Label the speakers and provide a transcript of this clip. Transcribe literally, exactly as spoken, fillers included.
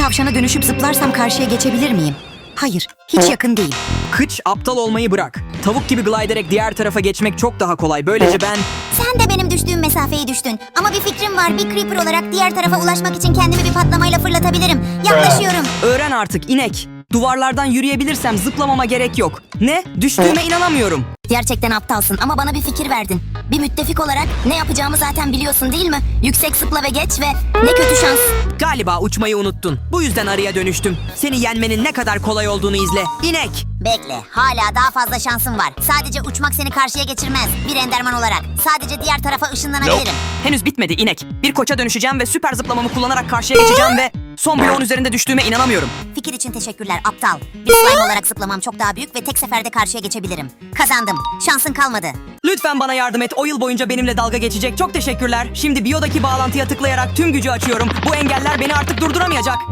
Speaker 1: tavşana dönüşüp zıplarsam karşıya geçebilir miyim? Hayır, hiç yakın değil.
Speaker 2: Kıç, aptal olmayı bırak. Tavuk gibi glide ederek diğer tarafa geçmek çok daha kolay. Böylece ben...
Speaker 3: Sen de benim düştüğüm mesafeyi düştün. Ama bir fikrim var. Bir creeper olarak diğer tarafa ulaşmak için kendimi bir patlamayla fırlatabilirim. Yaklaşıyorum.
Speaker 2: Öğren artık inek. Duvarlardan yürüyebilirsem zıplamama gerek yok. Ne? Düştüğüme inanamıyorum.
Speaker 3: Gerçekten aptalsın ama bana bir fikir verdin. Bir müttefik olarak ne yapacağımı zaten biliyorsun değil mi? Yüksek zıpla ve geç ve ne kötü şans.
Speaker 2: Galiba uçmayı unuttun. Bu yüzden arıya dönüştüm. Seni yenmenin ne kadar kolay olduğunu izle. İnek.
Speaker 3: Bekle, hala daha fazla şansım var. Sadece uçmak seni karşıya geçirmez. Bir enderman olarak. Sadece diğer tarafa ışınlanabilirim.
Speaker 2: Henüz bitmedi inek. Bir koça dönüşeceğim ve süper zıplamamı kullanarak karşıya geçeceğim ve... Son bloğun üzerinde düştüğüme inanamıyorum.
Speaker 3: Fikir için teşekkürler aptal. Bir slime olarak zıplamam çok daha büyük ve tek seferde karşıya geçebilirim. Kazandım. Şansın kalmadı.
Speaker 2: Lütfen bana yardım et. O yıl boyunca benimle dalga geçecek. Çok teşekkürler. Şimdi biyodaki bağlantıya tıklayarak tüm gücü açıyorum. Bu engeller beni artık durduramayacak.